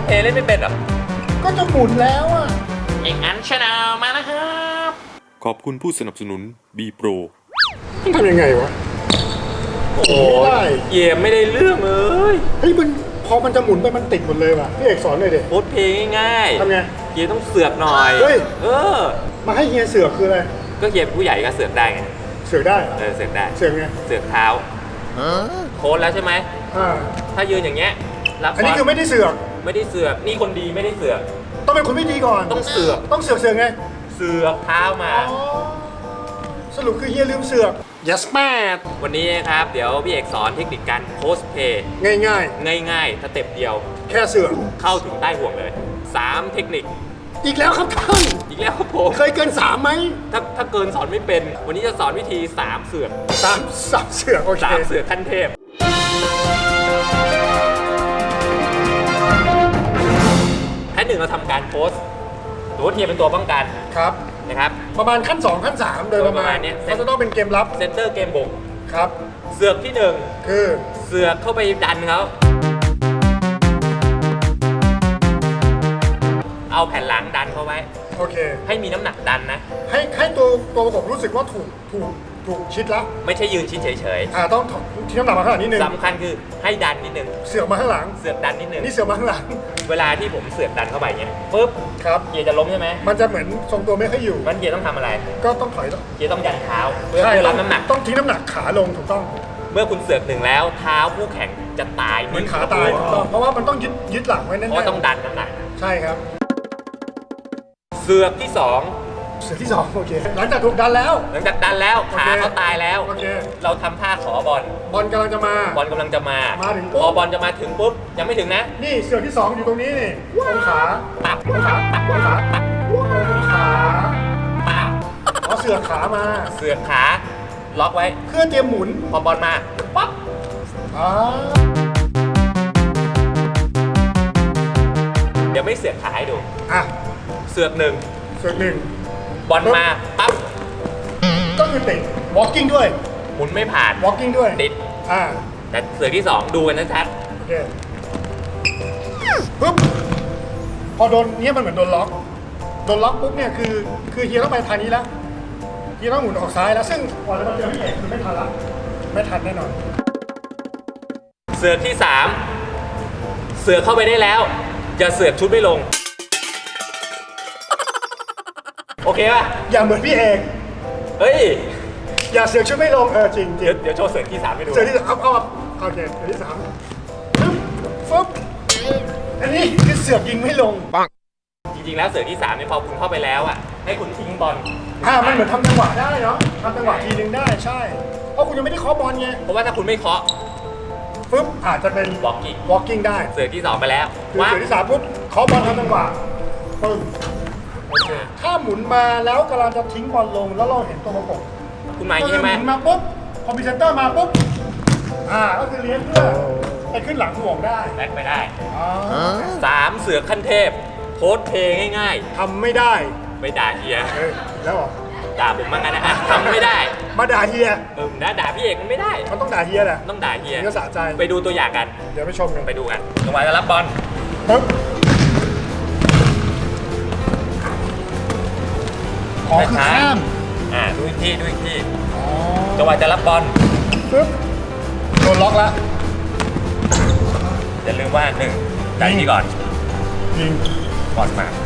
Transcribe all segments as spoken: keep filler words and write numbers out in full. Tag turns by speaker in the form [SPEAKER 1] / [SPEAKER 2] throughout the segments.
[SPEAKER 1] เพย์เล่นไม่เป็นหรอ
[SPEAKER 2] ก็จะหมุนแล้วอ่ะ
[SPEAKER 1] เอกอันชาแนลมาแล้วครับ
[SPEAKER 3] ขอบคุณผู้สนับสนุน B Pro
[SPEAKER 2] มันทำยังไงวะ
[SPEAKER 1] โอ้ยเยี่ยมไม่ได้เรื่องเลย
[SPEAKER 2] เฮ้ยมันพอมันจะหมุนไปมันติดหมดเลยว่ะพี่เอกสอนหน่อยดิ
[SPEAKER 1] โค้ดเพย์ง่าย
[SPEAKER 2] ๆทำไง
[SPEAKER 1] เฮียต้องเสือกหน่อย
[SPEAKER 2] เฮ้ย
[SPEAKER 1] เออ
[SPEAKER 2] มาให้เฮียเสือกคืออะไร
[SPEAKER 1] ก็เฮียเป็นผู้ใหญ่ก็เสือกได้ไง
[SPEAKER 2] เสือกได้
[SPEAKER 1] เออเสือกได้
[SPEAKER 2] เสือกไง
[SPEAKER 1] เสือกเท้าโค้ดแล้วใช่ไหม
[SPEAKER 2] อ่า
[SPEAKER 1] ถ้ายืนอย่างเงี้ยรับ
[SPEAKER 2] อันนี้คือไม่ได้เสือก
[SPEAKER 1] ไม่ได้เสือกนี่คนดีไม่ได้เสือก
[SPEAKER 2] ต้องเป็นคนไม่ดีก่อน
[SPEAKER 1] ต้องเสือก
[SPEAKER 2] ต้องเสือกเสือกไง
[SPEAKER 1] เสือกเท้ามา
[SPEAKER 2] สรุปคือเฮียลืมเสือก yes man
[SPEAKER 1] วันนี้นะครับเดี๋ยวพี่เอกสอนเทคนิคการโพสเพย์
[SPEAKER 2] ง่ายง่าย
[SPEAKER 1] ง่ายง่ายสเต็ปเดียว
[SPEAKER 2] แค่เสือก
[SPEAKER 1] เข้าถึงใต้ห่วงเลยสามเทคนิค
[SPEAKER 2] อีกแล้วครับท่าน
[SPEAKER 1] อีกแล้วครับผม
[SPEAKER 2] เคยเกินสามไหม
[SPEAKER 1] ถ้าถ้าเกินสอนไม่เป็นวันนี้จะสอนวิธีสามเสือก
[SPEAKER 2] สามสามเสือกโอเค
[SPEAKER 1] สามเสือกขั้นเทพขั้นหนึ่งเราทำการโพสตัวเทียเป็นตัวป้องกัน
[SPEAKER 2] ครับ
[SPEAKER 1] นะครับ
[SPEAKER 2] ประมาณขั้นสองขั้นสามโดยประมาณนี้เขาจะต้องเป็นเกมลับ
[SPEAKER 1] เซนเตอร์เกมบุก
[SPEAKER 2] ครับ
[SPEAKER 1] เสือกที่หนึ่ง
[SPEAKER 2] คือ
[SPEAKER 1] เสือกเข้าไปดันเขาเอาแผ่นหลังดันเข้าไว้
[SPEAKER 2] โอเค
[SPEAKER 1] ให้มีน้ำหนักดันนะ
[SPEAKER 2] ให้ให้ตัวตัวผมรู้สึกว่าถูกถูกถูกชิดแล้ว
[SPEAKER 1] ไม่ใช่ยืนชิดเฉย
[SPEAKER 2] ๆอ่าต้องทิ้งน้ำหนักมาข้างหลังนิดนึง
[SPEAKER 1] สำคัญคือให้ดันนิดนึง
[SPEAKER 2] เสือกมาข้างหลัง
[SPEAKER 1] เสือกดันนิดนึง
[SPEAKER 2] นี่เสือกมาข้างหลัง
[SPEAKER 1] เวลาที่ผมเสือกดันเข้าไปเนี้ยปุ๊บ
[SPEAKER 2] ครับ
[SPEAKER 1] เกียร์จะล้มใช่ไหม
[SPEAKER 2] มันจะเหมือนทรงตัวไม่ค่อยอยู่
[SPEAKER 1] มันเกียร์ต้องทำอะไร
[SPEAKER 2] ก็ต้องถอย
[SPEAKER 1] เกียร์ต้องยันเท้าเพื่อรับน้ำหนัก
[SPEAKER 2] ต้องทิ้งน้ำหนักขาลงถูกต้อง
[SPEAKER 1] เมื่อคุณเสือกหนึ่งแล้วเท้าผู้แข่งจะตาย
[SPEAKER 2] เหมือนขาตายถูกต้องเพราะว่ามันต้องยึดยึดหลังไว้แน่นๆ
[SPEAKER 1] เพราะต้องดันน้ำหนัก
[SPEAKER 2] ใช่ครับ
[SPEAKER 1] เสือกที่สอง
[SPEAKER 2] เสือกที่สองโอเคหลังจากถูกดันแล้ว
[SPEAKER 1] หลังจากดันแล้วขาเขาตายแล้ว
[SPEAKER 2] โอเค
[SPEAKER 1] เราทำท่าขอบอล
[SPEAKER 2] บอลกำลังจะมา
[SPEAKER 1] บอลกำลังจะมา
[SPEAKER 2] มาถึง
[SPEAKER 1] พอบอลจะมาถึงปุ๊บยังไม่ถึงนะ
[SPEAKER 2] นี่เสือกที่สองอยู่ตรงนี้นี่ตรงขา
[SPEAKER 1] ปัก
[SPEAKER 2] ตรงขาตรงขาตรงขา
[SPEAKER 1] ปัก
[SPEAKER 2] อ๋อเสือกขามา
[SPEAKER 1] เสือกขาล็อกไว้
[SPEAKER 2] เพื่อเตรียมหมุน
[SPEAKER 1] พอบอลมาปั๊บ
[SPEAKER 2] อ๋อ
[SPEAKER 1] เดี๋ยวไม่เสือกขาให้ดู
[SPEAKER 2] อ่ะ
[SPEAKER 1] เสือกหนึ่ง
[SPEAKER 2] เสือกหนึ่ง
[SPEAKER 1] บอลมาปั๊บ
[SPEAKER 2] ก็คือติด walking ด้วย
[SPEAKER 1] หมุนไม่ผ่าน
[SPEAKER 2] walking ด้วย
[SPEAKER 1] ติด
[SPEAKER 2] อ่า
[SPEAKER 1] แต่เสือกที่สองดูกันชัด
[SPEAKER 2] โอเคปุ๊บพอโดนเนี้ยมันเหมือนโดนล็อกโดนล็อกปุ๊บเนี่ยคือคือเฮียต้องไปทางนี้แล้วเฮียต้องหมุนออกซ้ายแล้วซึ่งก่อนจะมาเจอพี่เอกคือไม่ทันละไม่ทันแน่นอน
[SPEAKER 1] เสือกที่สามเสือกเข้าไปได้แล้วอย่าเสือกชุดไม่ลงโอเคป่ะ
[SPEAKER 2] อย่าเหมือนพี่เอก
[SPEAKER 1] เฮ้ย
[SPEAKER 2] อย่าเสือกชุดไม่ลงเออจริงจริง
[SPEAKER 1] เดี๋ยวโชว์เสือกที่สามให้ดู
[SPEAKER 2] เสือกที่สามเอาเอาโอเคเสือกที่สามฟึ๊บฟึ๊บอันนี้คือเสือกยิงไม่ลงปัง
[SPEAKER 1] จริงๆแล้วเสือกที่สามเนี่ยพอคุณเข้าไปแล้วอ่ะให้คุณทิ้งบอล
[SPEAKER 2] อ่ามันเหมือนทำจังหวะได้เนาะทำจังหวะทีนึงได้ใช่เพราะคุณยังไม่ได้เคาะบอลไง
[SPEAKER 1] เพราะว่าถ้าคุณไม่เคาะ
[SPEAKER 2] ฟึ๊บอาจจะเป็น
[SPEAKER 1] walking
[SPEAKER 2] walking ได้
[SPEAKER 1] เสือกที่สองไปแล้ว
[SPEAKER 2] เสือกที่สามปุ๊บเคาะบอลทำจังหวะปึ้งถ้าหมุนมาแล้วกำลังจะทิ้งบอลลงแล้วเราเห็นตัวประกบ
[SPEAKER 1] คุณมาอย่างนี้ใช่ไหม
[SPEAKER 2] หมุนมาปุ๊บคอมพิวเตอร์มาปุ๊บอ่าก็คือเลี้ยงเพื่อไปขึ้นหลังห่วงได้
[SPEAKER 1] แบ็คไปได้สามเสือขั้นเทพโพสเพย์ง่าย
[SPEAKER 2] ๆทำไม่ได้
[SPEAKER 1] ไม่ด่าเฮีย
[SPEAKER 2] แล้วหรอ
[SPEAKER 1] ด่าผมมากันนะทำไม่ได้
[SPEAKER 2] มาด่าเฮีย
[SPEAKER 1] เออด่าด่าพี่เอกมันไม่ได้
[SPEAKER 2] มันต้องด่าเฮียแหละ
[SPEAKER 1] ต้องด่าเฮีย
[SPEAKER 2] ก็สะใจ
[SPEAKER 1] ไปดูตัวอย่างกัน
[SPEAKER 2] เดี๋ยวไปชมกัน
[SPEAKER 1] ไปดูกันจังหวะจะรับบอล
[SPEAKER 2] ปึ๊บขอคือข้าม
[SPEAKER 1] อ่าดูอีกทีดูอีกทีจังหวะจะรับบอล
[SPEAKER 2] ปึ๊บโดนล็อกแล้ว
[SPEAKER 1] อย่าลืมว่าหนึ่งใจนี่ก่อน
[SPEAKER 2] ยิง
[SPEAKER 1] บอลมา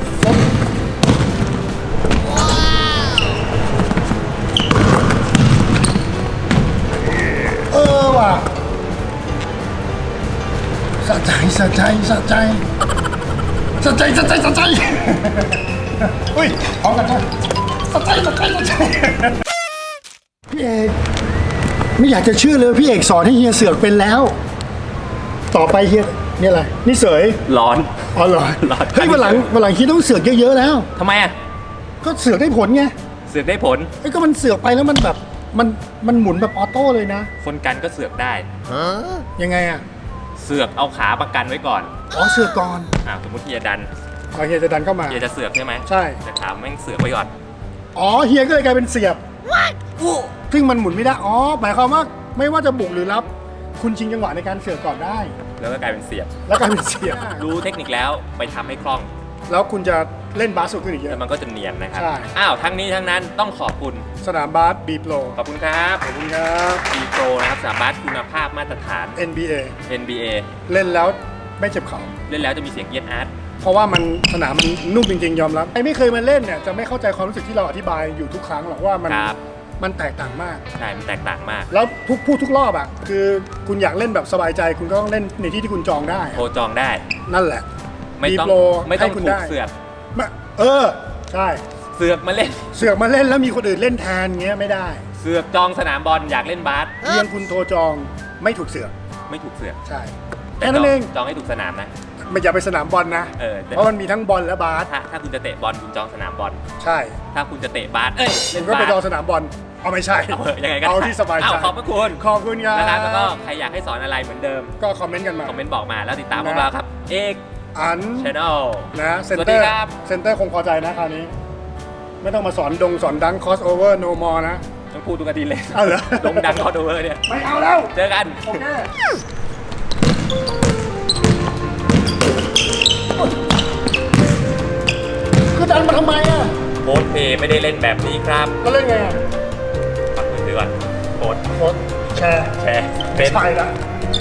[SPEAKER 2] เออว่ะสะใจสะใจสะใจสะใจสะใจสะใจอุ้ยพร้อมกันใช่สะใจสะใจสะใจพี่เอกไม่อยากจะเชื่อเลยพี่เอกสอนให้เฮียเสือกเป็นแล้วต่อไปเฮียนี่อะไรนี่เสย
[SPEAKER 1] ร้อน
[SPEAKER 2] อ๋อเหรอ
[SPEAKER 1] ร้อน
[SPEAKER 2] เฮ้ยวันหลังวันหลังเฮียต้องเสือกเยอะๆแล้ว
[SPEAKER 1] ทำไมอ่ะ
[SPEAKER 2] ก็เสือกได้ผลไง
[SPEAKER 1] เสือกได้ผล
[SPEAKER 2] ไอ้ก็มันเสือกไปแล้วมันแบบมันมันหมุนแบบออโต้เลยนะ
[SPEAKER 1] คนกันก็เสือกได้
[SPEAKER 2] ยังไงอ่ะ
[SPEAKER 1] เสือกเอาขาประกันไว้ก่อน
[SPEAKER 2] อ๋อเสือกก่อน
[SPEAKER 1] อ่าสมมติเฮียดัน
[SPEAKER 2] อ๋อเฮียจะดันเข้ามา
[SPEAKER 1] เฮียจะเสือกใช่ไหม
[SPEAKER 2] ใช่
[SPEAKER 1] แต่ขาแม่งเสือกไว้ก่อน
[SPEAKER 2] อ๋อเฮียก็เลยกลายเป็นเสียบซึ่งมันหมุนไม่ได้อ๋อหมายความว่าไม่ว่าจะบุกหรือรับคุณชิงจังหวะในการเสือกก่อนได้
[SPEAKER 1] แล้วก็กลายเป็นเสียบ
[SPEAKER 2] แล้วกลายเป็นเสียบ
[SPEAKER 1] รู้เทคนิคแล้วไปทำให้คล่อง
[SPEAKER 2] แล้วคุณจะเล่นบาสสุดขึ้นอีกเย
[SPEAKER 1] แล้ว
[SPEAKER 2] อะ
[SPEAKER 1] มันก็จะเนียนนะครับ
[SPEAKER 2] ใช่
[SPEAKER 1] อ้าวทั้งนี้ทั้งนั้นต้องขอบคุณ
[SPEAKER 2] สนามบาสบีโปร
[SPEAKER 1] ขอบคุณครับ
[SPEAKER 2] ขอบคุณครับ
[SPEAKER 1] บีโปรนะครับสนามบาสคุณภาพมาตรฐาน
[SPEAKER 2] เอ็น บี เอ
[SPEAKER 1] เอ็น บี เอ
[SPEAKER 2] เล่นแล้วไม่เจ็บเข่า
[SPEAKER 1] เล่นแล้วจะมีเสียงเยียดอาร์ต
[SPEAKER 2] เพราะว่ามันสนามมันนุ่มจริงๆยอมรับไอ้ไม่เคยมาเล่นเนี่ยจะไม่เข้าใจความรู้สึกที่เราอธิบายอยู่ทุกครั้งหรอกว่ามัน
[SPEAKER 1] ครับ
[SPEAKER 2] มันแตกต่างมาก
[SPEAKER 1] ใช่ มันแตกต่างมาก
[SPEAKER 2] แล้วทุกพูดทุกรอบอ่ะคือคุณอยากเล่นแบบสบายใจ คุณก็ต้องเล่นในที่ที่คุณจองได้
[SPEAKER 1] โทรจองได้
[SPEAKER 2] นั่นแหละ
[SPEAKER 1] ไม่ต้อง
[SPEAKER 2] B-Pro
[SPEAKER 1] ไม่ต้อง
[SPEAKER 2] ให้คุณ
[SPEAKER 1] ถูก
[SPEAKER 2] ได้
[SPEAKER 1] เสือก
[SPEAKER 2] มาเออใช่
[SPEAKER 1] เสือกมาเล่น
[SPEAKER 2] เสือกมาเล่นแล้วมีคนอื่นเล่นแทนเงี้ยไม่ได้
[SPEAKER 1] เสือกจองสนามบอลอยากเล่นบาส
[SPEAKER 2] เพียงคุณโทรจองไม่ถูกเสือก
[SPEAKER 1] ไม่ถูกเสือก
[SPEAKER 2] ใช่
[SPEAKER 1] แต่
[SPEAKER 2] แค่
[SPEAKER 1] จ
[SPEAKER 2] นั้
[SPEAKER 1] อง
[SPEAKER 2] นเอง
[SPEAKER 1] จองให้ถูกสนามนะ
[SPEAKER 2] ไม่อย่าไปสนามบอลนะ
[SPEAKER 1] เออแต่
[SPEAKER 2] เพราะมันมีทั้งบอลและบาส
[SPEAKER 1] ถ้าถ้าคุณจะเตะบอลคุณจองสนามบอล
[SPEAKER 2] ใช่
[SPEAKER 1] ถ้าคุณจะเตะบาสเอ้ย
[SPEAKER 2] คุ
[SPEAKER 1] เล่
[SPEAKER 2] ณ
[SPEAKER 1] น
[SPEAKER 2] ก็
[SPEAKER 1] บา
[SPEAKER 2] ไป
[SPEAKER 1] ส
[SPEAKER 2] จองสนามบอลเอาไม่ใช่
[SPEAKER 1] เอาเถอะยังไงก็
[SPEAKER 2] เอา
[SPEAKER 1] ได้
[SPEAKER 2] ที่สบายใจ
[SPEAKER 1] อ้วขอบพระคุณ
[SPEAKER 2] ขอบคุณครับ
[SPEAKER 1] นะครับแล้วก็ใครอยากให้สอนอะไรเหมือนเดิม
[SPEAKER 2] ก็คอมเมนต์กันมา
[SPEAKER 1] คอมเมนต์บอกมาแล้วติดตาม
[SPEAKER 2] นะ
[SPEAKER 1] พวกเราครับ เอก
[SPEAKER 2] อัน
[SPEAKER 1] ช n แนล
[SPEAKER 2] นะเซน
[SPEAKER 1] สวัส
[SPEAKER 2] เต
[SPEAKER 1] ดี
[SPEAKER 2] อร์
[SPEAKER 1] ครับ
[SPEAKER 2] เซนเตอร์คงพอใจนะคราวนี้ ไม่ต้องมาสอนดงสอนดังคอสโอเวอร์โนมอนะ
[SPEAKER 1] ต้องพูดทุกอาทิตย์เลย
[SPEAKER 2] เอาเหรอ
[SPEAKER 1] ลงดังคอดูเวอร์เนี่ย
[SPEAKER 2] ไม่เอาแล้ว
[SPEAKER 1] เจอกัน
[SPEAKER 2] โอเคคือดันมาทำไมอ่ะ
[SPEAKER 1] โค้ดเพย์ไม่ได้เล่นแบบนี้ครับ
[SPEAKER 2] ก็เล่นไงอะ
[SPEAKER 1] ฝากมือถือก่อนโค้ด
[SPEAKER 2] โพสต์แชร์
[SPEAKER 1] แชร์เป็น
[SPEAKER 2] ไปละ